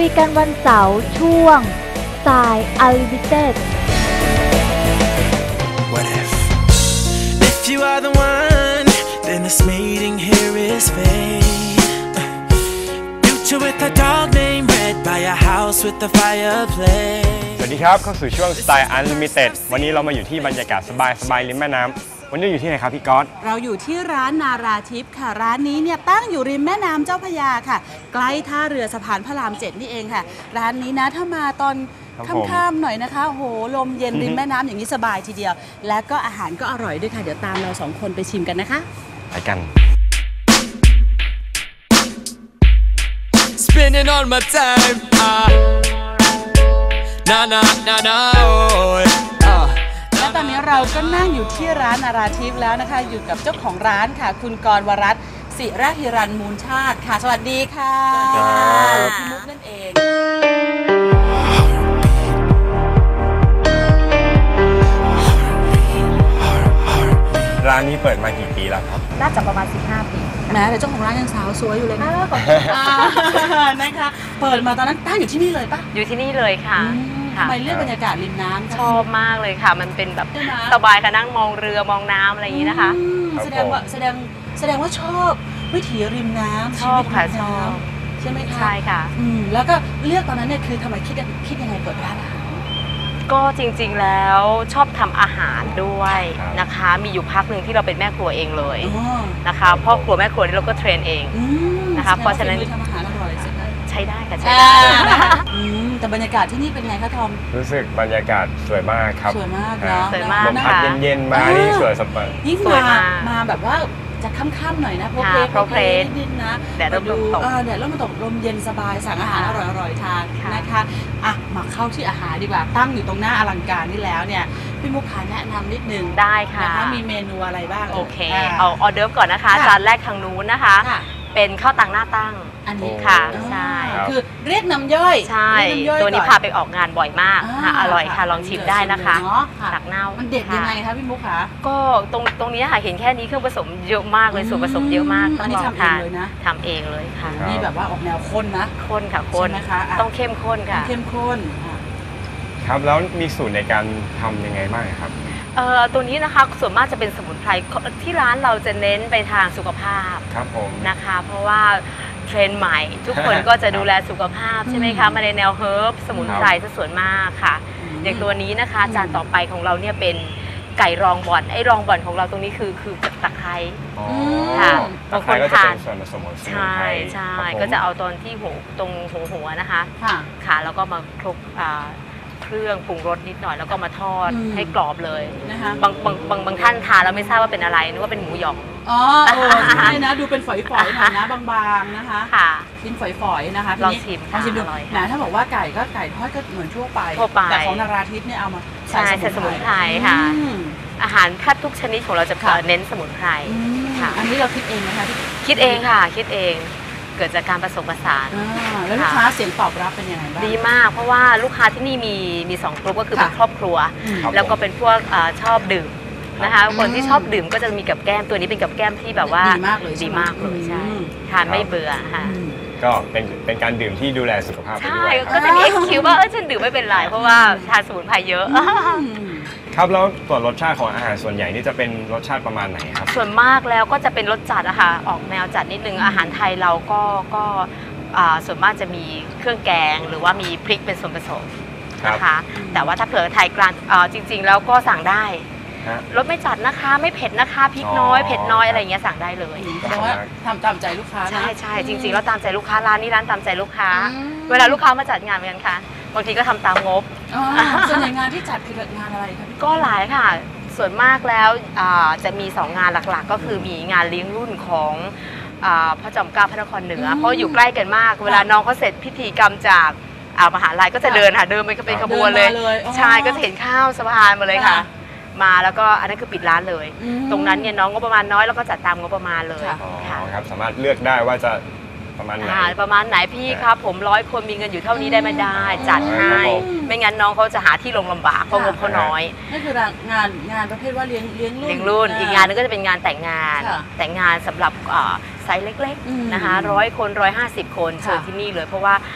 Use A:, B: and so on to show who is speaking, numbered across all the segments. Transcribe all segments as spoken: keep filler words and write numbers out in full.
A: ยกันวันเสาร์ช่วงสายอลิมิเต็ด
B: What if if you are the one then this meeting here is fate future with a dog named Red by a house with a fireplace
C: สวัสดีครับเข้าสู่ช่วง Style Unlimited วันนี้เรามาอยู่ที่บรรยากาศสบายๆริมแม่น้ำวันนี้อยู่ที่ไหนครับพี่ก๊อต
D: เราอยู่ที่ร้านนาราทิพย์ค่ะร้านนี้เนี่ยตั้งอยู่ริมแม่น้ำเจ้าพระยาค่ะใกล้ท่าเรือสะพานพระรามเจ็ดนี่เองค่ะร้านนี้นะถ้ามาตอนค่ำๆหน่อยนะคะโอ้โหลมเย็นริมแม่น้ำอย่างนี้สบายทีเดียวและก็อาหารก็อร่อยด้วยค่ะเดี๋ยวตามเราสองคนไปชิมกันนะคะ
C: ไปกัน
B: Spending all my time ah na na na na
D: และตอนนี้เราก็นั่งอยู่ที่ร้านนาราทิพย์แล้วนะคะอยู่กับเจ้าของร้านค่ะคุณกรวรัตน์ศิระฮิรันมูลชาติค่ะสวัสดีค่ะพี่มุกนั่นเอง
C: ร้านนี้เปิดมากี่ปีแล้วครับ
A: น่าจะประมาณสิบห้าปี
D: แม้แต่เจ้าของร้านยังสาวสวยอยู่เลยนะนะคะเปิดมาตอนนั้นตั้งอยู่ที่นี่เลยปะ
E: อยู่ที่นี่เลยค่ะ
D: ทำไมเลือกบรรยากาศริมน้ำ
E: ชอบมากเลยค่ะมันเป็นแบบสบายค่ะนั่งมองเรือมองน้ำอะไรอย่างนี้นะคะ
D: แสดงว่าแสดงแสดงว่าชอบวิถีริมน้ำ
E: ชอบค่ะชอบ
D: ใช่ไหมคะ
E: ใช่ค่ะ
D: แล้วก็เลือกตอนนั้นเนี่ยคือทำไมคิดคิดยังไงเปิดร้านอาหาร
E: ก็จริงๆแล้วชอบทำอาหารด้วยนะคะมีอยู่พักหนึ่งที่เราเป็นแม่ครัวเองเลยนะคะพ่อครัวแม่ครัวนี่เราก็เทรนเองนะคะเพราะฉะนั้น
D: ทำอาหารอร่อย
E: ใช้ได้ค่ะใช้ได้
D: แต่บรรยากาศที่นี่เป็นไงคะทอม
C: รู้สึกบรรยากาศสวยมากครับ
D: สวยมากเนาะ
E: สวยมาก
C: ลมพัดเย็นๆมานี่สวยสบาย
D: ยิ่งมามาแบบว่าจะค่ำๆหน่อยนะเพราะเพลนิดนิดนะ
E: แดดร่มตก
D: แดดร่มตกลมเย็นสบายสั่งอาหารอร่อยๆทานนะคะอ่ะมาเข้าที่อาหารดีกว่าตั้งอยู่ตรงหน้าอลังการนี่แล้วเนี่ยพี่มุกขาแนะนำนิดนึง
E: ได้ค่ะ
D: นะคะมีเมนูอะไรบ้าง
E: โอเคเอาออเดิร์ฟก่อนนะคะจานแรกทางนู้นนะคะเป็นข้าวตังหน้าตั้ง
D: อันนี้
E: ค่ะใช่
D: คือเรียกน้ำย่อย
E: ใช่ตัวนี้พาไปออกงานบ่อยมากค่ะอร่อยค่ะลองชิมได้นะคะตักเน่า
D: มันเด็ดยังไงคะพี่มุกคะ
E: ก็ตรงตรงนี้ค่ะเห็นแค่นี้เครื่องผสมเยอะมากเลยส่วนผสมเยอะมาก
D: ต้องลองทาน
E: ทำเองเลยค่ะ
D: นี่แบบว่าออกแนวข้นนะ
E: ข้นค่ะข้นนะคะต้องเข้มข้นค่ะ
D: เข้มข้น
C: ครับแล้วมีสูตรในการทำยังไงบ้างครับ
E: เอ่อตัวนี้นะคะส่วนมากจะเป็นสมุนไพรที่ร้านเราจะเน้นไปทางสุขภาพ
C: ครับผม
E: นะคะเพราะว่าเทรนด์ใหม่ทุกคนก็จะดูแลสุขภาพใช่ไหมคะมาในแนวเฮิร์บสมุนไพรซะส่วนมากค่ะอย่างตัวนี้นะคะจานต่อไปของเราเนี่ยเป็นไก่รองบ่อนไอ้รองบ่อนของเราตรงนี้คือคือตะไคร้ค่ะ
C: บางคนทานส่วนผสมของสมุนไพร
E: ใช่ใช่ก็จะเอาตอนที่หัวตรงหัวหัวนะคะค่ะแล้วก็มาคลุกเครื่องปรุงรสนิดหน่อยแล้วก็มาทอดให้กรอบเลยนะคะบางบางบางบางท่านทานแล้วไม่ทราบว่าเป็นอะไรนึกว่าเป็นหมูหยอง
D: อ๋อใช่นะดูเป็นฝอยๆหน่อยนะบางๆนะคะค่ะเป็นฝอยๆนะคะ
E: ลองชิม
D: ลองชิมดูนะถ้าบอกว่าไก่ก็ไก่ทอดก็เหมือนทั่วไปแต่ของนาราทิพย์เนี่ยเอามา
E: ใส่สมุนไพรค่ะอาหารแทบทุกชนิดของเราจะเน้นสมุนไพร
D: ค่ะอันนี้เราคิดเองนะคะ
E: คิดเองค่ะคิดเองเกิดจากการผสมผสาน
D: แล้วลูกค้าเสียงตอบรับเป็นยังไงบ้าง
E: ดีมากเพราะว่าลูกค้าที่นี่มีมีสองกลุ่มก็คือเป็นครอบครัวแล้วก็เป็นพวกชอบดื่มนะคะคนที่ชอบดื่มก็จะมีกับแก้มตัวนี้เป็นกับแก้มที่แบบว่า
D: ดีมากเลย
E: ดีมากเลยใช่ทานไม่เบื่อค่ะ
C: ก็เป็นเป็นการดื่มที่ดูแลสุขภาพ
E: ใช่ก็จะมีเอ็กซ์คิวว่าเออฉันดื่มไม่เป็นไรเพราะว่าทานสมุนไพรเยอะ
C: ครับแล้วตัวรสชาติของอาหารส่วนใหญ่นี่จะเป็นรสชาติประมาณไหนครับ
E: ส่วนมากแล้วก็จะเป็นรสจัดอะค่ะออกแนวจัดนิดนึงอาหารไทยเราก็ก็ส่วนมากจะมีเครื่องแกงหรือว่ามีพริกเป็นส่วนผสมนะคะแต่ว่าถ้าเผื่อไทยกลางจริงๆแล้วก็สั่งได้รสไม่จัดนะคะไม่เผ็ดนะคะพริกน้อยเผ็ดน้อยอะไรอย่างเงี้ยสั่งได้เลย
D: แต่ว่าทำตามใจลูกค้า
E: ใช่ใช่จริงๆแล้วตามใจลูกค้าร้านนี้ร้านตามใจลูกค้าเวลาลูกค้ามาจัดงานเหมือนกันค่ะบางทีก็ทำตามงบ
D: ส่วนใหญ่งานที่จัดคืองานอะไรคะ
E: ก็หลายค่ะส่วนมากแล้วจะมีสองงานหลักๆก็คือมีงานเลี้ยงรุ่นของพระจอมเกล้าพระนครเหนือเพราะอยู่ใกล้กันมากเวลาน้องเขาเสร็จพิธีกรรมจากมหาลัยก็จะเดินค่ะเดินไปเป็นขบวนเลยใช่ก็จะเห็นข้าวสะพานมาเลยค่ะมาแล้วก็อันนั้นคือปิดร้านเลยตรงนั้นเนี่ยน้องงบประมาณน้อยแล้วก็จัดตามงบประมาณเลย
C: ค่ะครับสามารถเลือกได้ว่าจะประมาณไหน
E: ประมาณไหนพี่ครับผมร้อยคนมีเงินอยู่เท่านี้ได้ไม่ได้จัดให้ไม่งั้นน้องเขาจะหาที่ลงลำบากเพราะงบเขาน้อย
D: นั่นคืองานงานประเภทว่าเลี้ยงเลี้ยงรุ่น
E: เลี้ยงรุ่นอีกงานนึงก็จะเป็นงานแต่งงานแต่งงานสำหรับไซส์เล็กๆนะคะร้อยคนร้อยห้าสิบคนเชิญที่นี่เลยเพราะว่า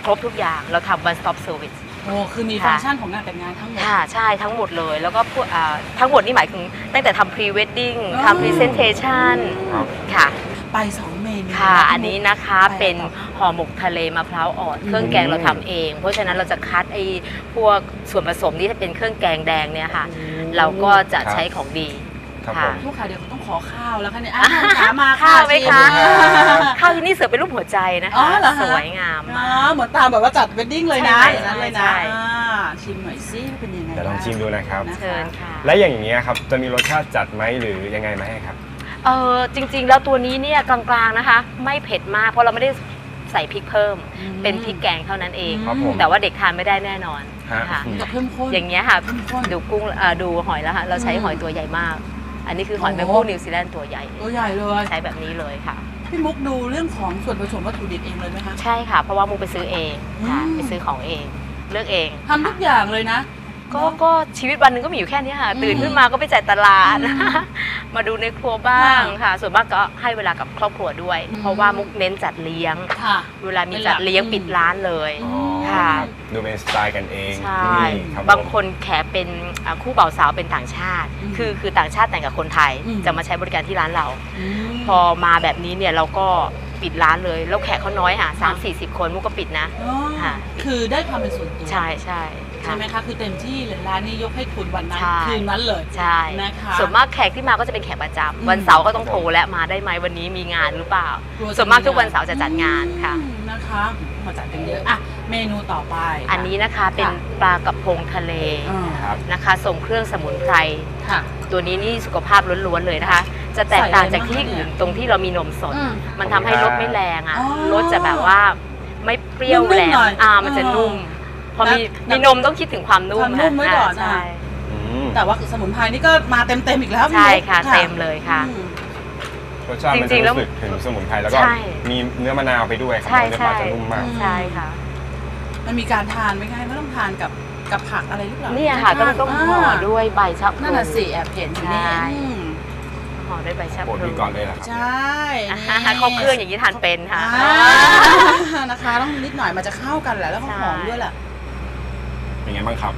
E: ครบทุกอย่างเราทำ one stop service
D: โอ้คือมีฟังก์ชันของงานแต่งงานทั้งหมด
E: ค่ะใช่ทั้งหมดเลยแล้วก็พวกทั้งหมดนี่หมายถึงตั้งแต่ทำ pre wedding ทำ presentation ค่ะ
D: ไปสองเมนู
E: ค่ะอันนี้นะคะเป็นห่อหมกทะเลมะพร้าวอ่อนเครื่องแกงเราทำเองเพราะฉะนั้นเราจะคัดไอ้พวกส่วนผสมที่เป็นเครื่องแกงแดงเนี่ยค่ะเราก็จะใช้ของดี
C: ค่ะ
D: ลูกค้าเดี๋ยวต้องขอข้าวแล้วค่ะเนี่ยอาหารขามาข้
E: าวไหมคะข้าวที่นี่เสิร์ฟเป็นรูปหัวใจนะคะสวยงามมาก
D: เหมือนตามแบบว่าจัดเวดดิ้งเลยนะอย่างนั้นเลยนะชิมหน่อยซิเป็นยังไง
C: เดี๋ยวลองชิมดูนะครับ
E: เชิญค่ะ
C: และอย่างนี้ครับจะมีรสชาติจัดไหมหรือยังไงไหมครับ
E: เออจริงๆแล้วตัวนี้เนี่ยกลางๆนะคะไม่เผ็ดมากเพราะเราไม่ได้ใส่พริกเพิ่มเป็นพริกแกงเท่านั้นเองแต่ว่าเด็กทานไม่ได้แน่นอนค่ะอย่างเงี้ยค่ะดูกุ้งดูหอยแล้วค่ะเราใช้หอยตัวใหญ่มากอันนี้คือหอยแมงผู้นิวซีแลนด์ตัวใหญ่
D: ตัวใหญ่เลย
E: ใช้แบบนี้เลยค่ะ
D: พี่มุกดูเรื่องของส่วนผสมวัตถุดิบเองเลยไหมคะ
E: ใช่ค่ะเพราะว่ามุกไปซื้อเองค่ะไปซื้อของเองเลือกเอง
D: ทำทุกอย่างเลยนะ
E: ก็ก็ชีวิตวันหนึ่งก็มีอยู่แค่นี้ค่ะตื่นขึ้นมาก็ไปจ่ายตลาดมาดูในครัวบ้างค่ะส่วนมากก็ให้เวลากับครอบครัวด้วยเพราะว่ามุกเน้นจัดเลี้ยงเวลามีจัดเลี้ยงปิดร้านเลยค่ะ
C: ดูเป็นสไตล์กันเอง
E: ใช่บางคนแขกเป็นคู่บ่าวสาวเป็นต่างชาติคือคือต่างชาติแต่งกับคนไทยจะมาใช้บริการที่ร้านเราพอมาแบบนี้เนี่ยเราก็ปิดร้านเลยแล้วแขกเขาน้อยค่ะสามสี่สิบคนมุกก็ปิดนะ
D: ค่ะคือได้ความเป็นส่วนตัว
E: ใช่ใช่
D: ใช่ไหมคะคือเต็มที่เลยร้านนี้ยกให้คุณวันนั้นคืนนั้นเลย
E: ใช่นะคะส่วนมากแขกที่มาก็จะเป็นแขกประจำวันเสาร์ก็ต้องโทรและมาได้ไหมวันนี้มีงานหรือเปล่าส่วนมากทุกวันเสาร์จะจัดงานค่ะ
D: นะคะมาจัดกันเยอะอ่ะเมนูต่อไป
E: อันนี้นะคะเป็นปลากระพงทะเลนะคะส่งเครื่องสมุนไพรตัวนี้นี่สุขภาพล้วนๆเลยนะคะจะแตกต่างจากที่อื่นตรงที่เรามีนมสดมันทำให้รสไม่แรงอ่ะรสจะแบบว่าไม่เปรี้ยวแรงอ่ามันจะนุ่มพอมีมีนมต้องคิดถึงความนุ่ม
D: นุ่มไว้ก่อนใช่แต่ว่าสมุนไพรนี่ก็มาเต็มๆอีกแล้ว
E: ใช่ค่ะเต็มเลยค่ะ
C: รสชาติมันจะรู้สึกถึงสมุนไพรแล้วก็มีเนื้อมะนาวไปด้วยครับเนื้อปลาจะนุ่มมาก
E: ใช่ค่ะ
D: มันมีการทานไหมคะไม่ต้องทานกับกับผักอะไรหรือเปล่า
E: นี่ค่ะก็ต้องห่อด้วยใบชะพลู
D: นั่นน่ะสิแอบเห็นอยู่นี่
E: ห่อด้วยใบชะพลู
C: โปรดก่อนเลยครับ
D: ใช่
E: ครบเครื่องอย่างนี้ทานเป็นค่ะ
D: นะคะต้องนิดหน่อยมันจะเข้ากันแหละแล้วก็หอมด้วยแหละ
C: เป็นไงบ้างครับ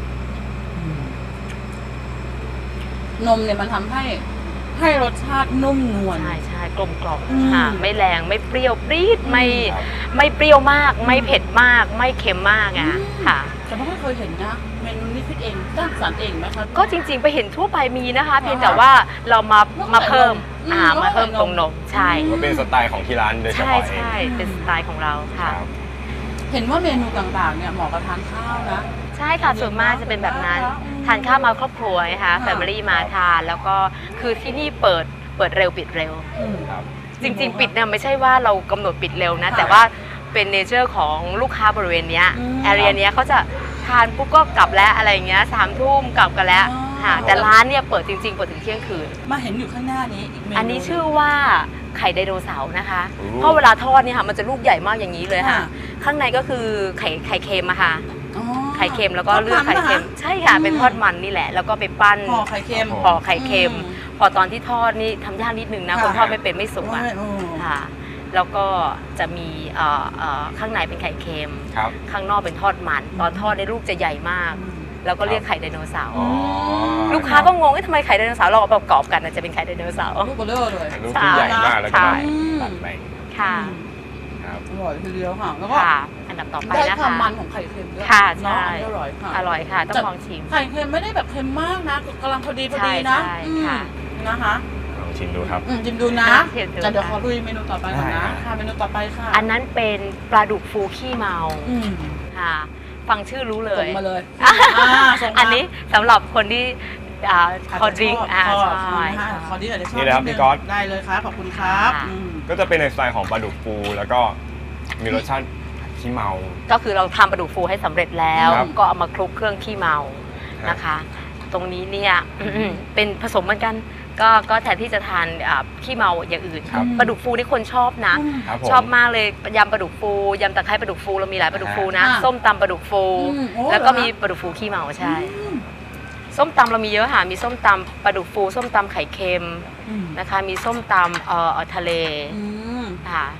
D: นมเนี่ยมันทำให้ให้รสชาตินุ่มนวล
E: ใช่ใช่กลมกล่อมค่ะไม่แรงไม่เปรี้ยวปรี๊ดไม่ไม่เปรี้ยวมากไม่เผ็ดมากไม่เค็มมากอ่ะค่ะ
D: แต่ไม่เคยเห็นนะเมนูนี้คิดเองสร้างสรรค์เองไหมคะ
E: ก็จริงๆไปเห็นทั่วไปมีนะคะเพียงแต่ว่าเรามามาเพิ่มอ่ามาเพิ่มตรงนมใช่
C: เป็นสไตล์ของที่ร้านโดยเฉพาะเอง
E: ใช่ใช่เป็นสไตล์ของเราค่ะ
D: เห็นว่าเมนูต่างๆเนี่ยเหมาะกับทานข้าวนะ
E: ใช่ค่ะส่วนมากจะเป็นแบบนั้นทานข้าวมาครอบครัวนะคะแฟมิลี่มาทานแล้วก็คือที่นี่เปิดเปิดเร็วปิดเร็วจริงๆปิดเนี่ยไม่ใช่ว่าเรากำหนดปิดเร็วนะแต่ว่าเป็นเนเจอร์ของลูกค้าบริเวณนี้แอเรียนี้เขาจะทานปุ๊บก็กลับแล้วอะไรเงี้ยสามทุ่มกลับกันแล้วค่ะแต่ร้านเนี่ยเปิดจริงๆเปิดถึงเที่ยงคืน
D: มาเห็นอยู่ข้างหน้านี้อีกเมนู
E: อันนี้ชื่อว่าไข่ไดโนเสาร์นะคะเพราะเวลาทอดเนี่ยค่ะมันจะลูกใหญ่มากอย่างนี้เลยค่ะข้างในก็คือไข่ไข่เค็มอะค่ะไข่เค็มแล้วก็เลือดไข่เค็มใช่ค่ะเป็นทอดมันนี่แหละแล้วก็ไปปั้น
D: ห่อไข่เค็ม
E: ห่อไข่เค็มพอตอนที่ทอดนี่ทำยากนิดนึงนะคนทอดไม่เป็นไม่สุกอ่ะค่ะแล้วก็จะมีข้างในเป็นไข่เค็มข้างนอกเป็นทอดมันตอนทอดในลูกจะใหญ่มากแล้วก็เรียกไข่ไดโนเสาร์ลูกค้าก็งงว่าทำไมไข่ไดโนเสาร์เราเอาประกอบกันจะเป็นไข่ไดโนเสาร์
D: ลูกเบลอเลย
C: ลูกที่ใหญ่มากแล้วก็ตัดแบ่ง
E: ค่ะ
D: อร่อยทีเดียวค่ะแล้วก็
E: อันดับต่อไปนะคะ
D: ได้ความมันของไข่เค็มด้วย
E: ค่ะใช่
D: อร่อยค่ะ
E: อร่อยค่ะต้องลองชิม
D: ไข่เค็มไม่ได้แบบเค็มมากนะกำลังพอดีพอดีนะนะคะ
C: ลองชิมดูครับ
D: ชิมดูนะจะเดี๋ยวขอลุยเมนูต่อไปก่อนนะค่ะเมนูต่อไปค่ะ
E: อันนั้นเป็นปลาดุกฟูขี้เมาค่ะฟังชื่อรู้เลย
D: มาเลย
E: อันนี้สำหรับคนที่คอดริงอ่า
D: ใช่คอดริงอาจจะชอบ
C: นี่นะครับพี่ก๊อต
D: ได้เลยครับขอบคุณครับ
C: ก็จะเป็นในสไตล์ของปลาดุกฟูแล้วก็มีรสชาติขี้เมา
E: ก็คือเราทำปลาดุกฟูให้สำเร็จแล้วก็เอามาคลุกเครื่องขี้เมานะคะตรงนี้เนี่ยเป็นผสมเหมือนกันก็ก็แทนที่จะทานขี้เมาอย่างอื่นปลาดุกฟูนี่คนชอบนะชอบมากเลยยำปลาดุกฟูยำตะไคร้ปลาดุกฟูเรามีหลายปลาดุกฟูนะส้มตำปลาดุกฟูแล้วก็มีปลาดุกฟูขี้เมาใช่ส้มตำเรามีเยอะค่ะมีส้มตำปลาดุกฟูส้มตำไข่เค็มนะคะมีส้มตำเอ่อทะเลค่ะ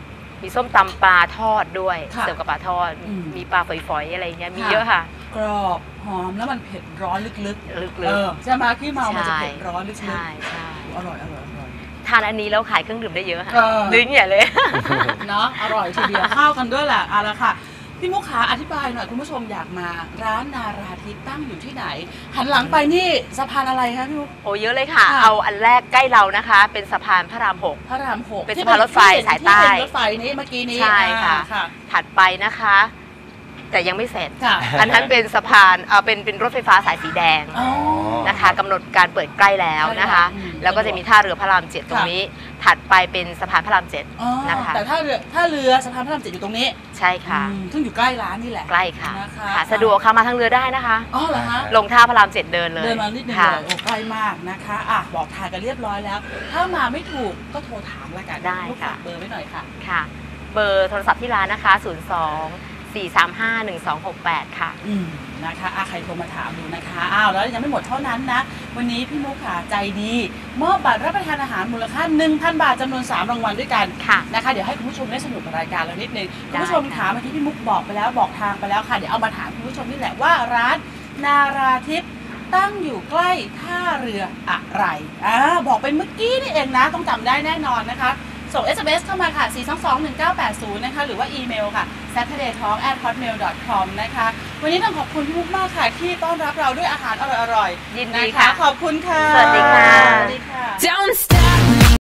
E: มีส้มตำปลาทอดด้วย
D: ค่ะ
E: เสิร์ฟกับปลาทอด
D: อืม
E: มีปลาฝอยๆอะไรเงี้ยมี
D: ค่ะ
E: เยอะค่ะ
D: กรอบหอมแล้วมันเผ็ดร้อนลึกๆ
E: ลึก
D: เออใช่ไหมขี้เมามันจะ
E: ใช่
D: เผ็ดร้อนลึก
E: ใช่ใช่
D: ๆอร่อยอร่อยอร่อย
E: ทานอันนี้แล้วขายเครื่องดื่มได้เยอะค่ะ
D: เออ
E: ลิ้นใหญ่เลย
D: เนาะอร่อยทีเดียวเข้ากันด้วยแหละเอาละค่ะพี่มุกขาอธิบายหน่อยคุณผู้ชมอยากมาร้านนาราทิพย์ตั้งอยู่ที่ไหน หันหลังไปนี่สะพานอะไรคะพี่มุก
E: โอ้เยอะเลยค่ะ
D: ค่ะ
E: เอาอันแรกใกล้เรานะคะ เป็นสะพานพระรามหก
D: พระรามหก
E: เป็นสะพานรถไฟสายใต้
D: ที่เป็นรถไฟนี้เมื่อกี้นี้
E: ใช่ค่ะ
D: อ่าค่ะ
E: ถัดไปนะคะ แต่ยังไม่เสร็จ
D: ค่ะ
E: อันนั้นเป็นสะพานเอ่อเป็นเป็นรถไฟฟ้าสายสีแดง
D: อ๋อ
E: นะคะกำหนดการเปิดใกล้แล้วนะคะ
D: ใกล้แล้วอืม
E: แล้วก็จะมีท่าเรือพระรามเจ็ดตรงนี้ ถัดไปเป็นสะพานพระรามเจ็ด
D: อ๋อ
E: นะคะ
D: แต่ถ้าเรือถ้าเรือสะพานพระรามเจ็ดอยู่ตรงนี้
E: ใช่ค่ะ
D: อืมซึ่งอยู่ใกล้ร้านนี่แหละ
E: ใกล้ค่ะ
D: นะคะ
E: ค่ะสะดวกค่ะมาทางเรือได้นะคะ
D: อ๋อเหรอคะ
E: ลงท่าพระรามเจ็ดเดินเลย
D: เดินมานิดนึง
E: ค่ะ
D: เลยโอ้ใกล้มากนะคะอ่ะบอกทางกันเรียบร้อยแล้ว ถ้ามาไม่ถูกก็โทรถามละกัน
E: ได้
D: ลูก
E: ค่ะ
D: ฝากเบอร์ไว้หน่อยค่ะ
E: ค่ะ เบอร์โทรศัพท์ที่ร้านนะคะ ศูนย์ สอง สี่ สาม ห้า หนึ่ง สอง หก แปด ค่ะ
D: อืมนะคะอ่ะใครโทรมาถามดูนะคะอ้าวแล้วยังไม่หมดเท่านั้นนะ วันนี้พี่มุกค่ะใจดี มอบบัตรรับประทานอาหารมูลค่า หนึ่งพัน บาทจำนวน สาม รางวัลด้วยกัน
E: ค่ะ
D: นะคะเดี๋ยวให้คุณผู้ชมได้สนุกกับรายการเรานิดนึง
E: ได้
D: คุณผู้ชม
E: ค่ะ
D: ถามเมื่อกี้พี่มุกบอกไปแล้วบอกทางไปแล้วค่ะเดี๋ยวเอามาถามคุณผู้ชมนี่แหละว่าร้านนาราทิพย์ตั้งอยู่ใกล้ท่าเรืออะไรอ่าบอกไปเมื่อกี้นี่เองนะต้องจำได้แน่นอนนะคะ ส่ง เอส เอ็ม เอส เข้ามาค่ะ สี่ สอง สอง หนึ่ง เก้า แปด ศูนย์ นะคะ หรือว่าอีเมลค่ะ แซทเทอร์เดย์ทอล์ก แอท ฮอตเมล ดอท คอม นะคะ วันนี้ต้องขอบคุณพี่มุกมากค่ะ ที่ต้อนรับเราด้วยอาหารอร่อยๆ
E: ยินดี
D: น
E: ค่ะ
D: ขอบคุณค่ะ
E: สวัสดีค่ะ
D: สวัสดีค่ะ
B: Don't stop.